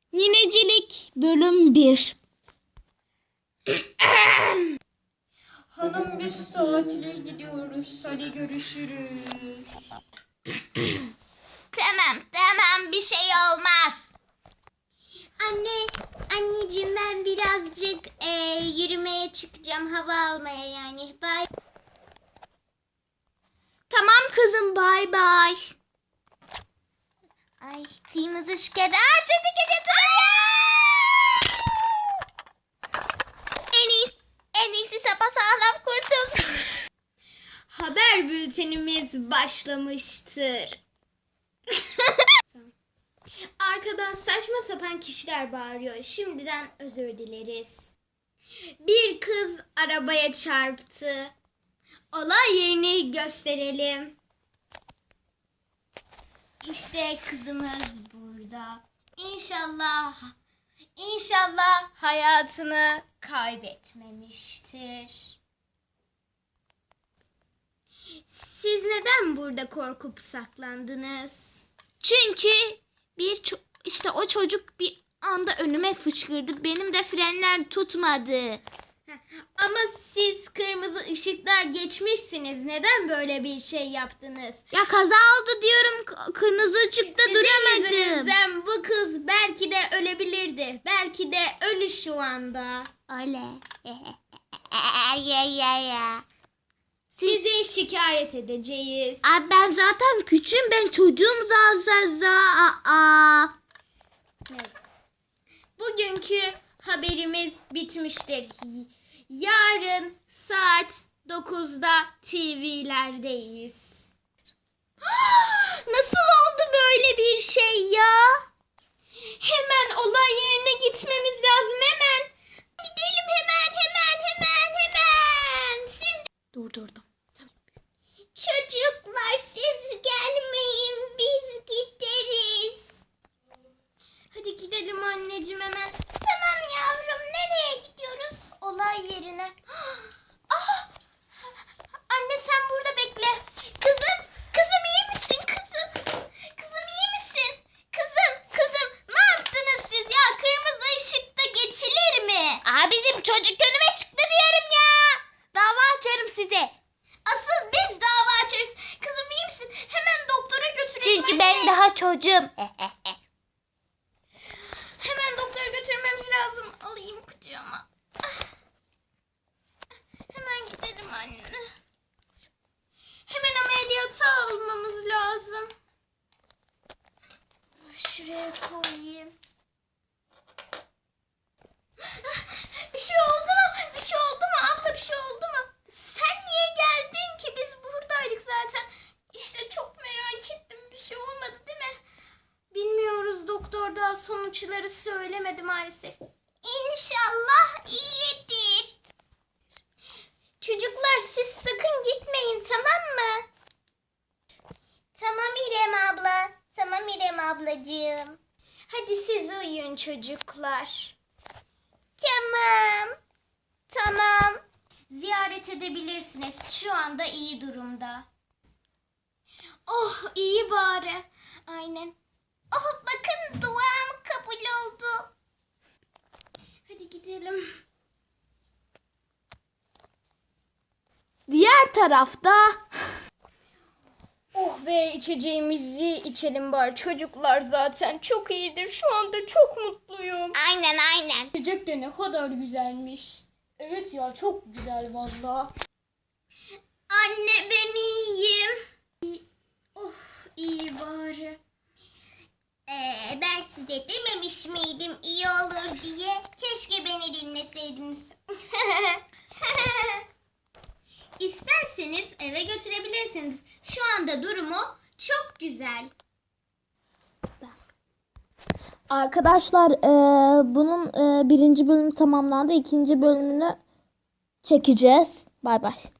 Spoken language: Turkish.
Yinecilik bölüm 1. Hanım biz tatile gidiyoruz. Hadi görüşürüz. Tamam bir şey olmaz. Anneciğim ben birazcık yürümeye çıkacağım, hava almaya yani. Bye. Tamam kızım, bay bay. Ay kırmızı ışık eder. Çocuk en iyisi sapasağlam kurtul. Haber bültenimiz başlamıştır. Arkadan saçma sapan kişiler bağırıyor. Şimdiden özür dileriz. Bir kız arabaya çarptı. Olay yerini gösterelim. İşte kızımız burada. İnşallah hayatını kaybetmemiştir. Siz neden burada korkup saklandınız? Çünkü işte o çocuk bir anda önüme fışkırdı. Benim de frenler tutmadı. Ama siz kırmızı ışıklar geçmişsiniz. Neden böyle bir şey yaptınız? Ya kaza oldu diyorum. Kırmızı ışıkta duramadım. Sizin yüzünüzden bu kız belki de ölebilirdi. Belki de ölü şu anda. Öyle. Sizi şikayet edeceğiz. Abi ben zaten küçüğüm, ben çocuğum Neyse. Bugünkü haberimiz bitmiştir. Yarın saat 9'da TV'lerdeyiz. Nasıl oldu böyle bir şey ya? Hemen olay yerine gitmemiz lazım, hemen. Gidelim hemen. Durdurdum. Çocuklar siz gelmeyin, biz gideriz. Hadi gidelim anneciğim hemen. Tamam yavrum, nereye gidiyoruz? Olay yerine. Ah! Anne sen burada bekle. Kızım iyi misin kızım? Kızım iyi misin? Kızım ne yaptınız siz ya? Kırmızı ışıkta geçilir mi? Abicim çocuk önüme çıktı diyorum ya. Dava açarım size. Asıl biz dava açarız. Kızım iyi misin? Hemen doktora götürelim. Çünkü ben daha çocuğum. Hemen doktora götürmemiz lazım. Alayım kucağıma. Hemen gidelim anne. Hemen ameliyata almamız lazım. Şuraya koyayım. Bir şey oldu mu? Abla bir şey oldu mu? Sen niye geldin ki? Biz buradaydık zaten. İşte çok merak ettim. Bir şey olmadı değil mi? Bilmiyoruz, doktor daha sonuçları söylemedi maalesef. İnşallah iyidir. Çocuklar siz sakın gitmeyin, tamam mı? Tamam İrem abla. Tamam İrem ablacığım. Hadi siz uyuyun çocuklar. Tamam. Ziyaret edebilirsiniz. Şu anda iyi durumda. Oh iyi bari. Aynen. Oh bakın duam kabul oldu. Hadi gidelim. Diğer tarafta... Oh be, içeceğimizi içelim bari. Çocuklar zaten çok iyidir. Şu anda çok mutluyum. Aynen. İçecek de ne kadar güzelmiş. Evet ya, çok güzel valla. Anne ben iyiyim. Oh iyi bari. Ben size dememiş miydim iyi olur diye? Keşke beni dinleseydiniz. İsterseniz eve götürebilirsiniz. Şu anda durumu çok güzel. Arkadaşlar bunun birinci bölümü tamamlandı. İkinci bölümünü çekeceğiz. Bay bay.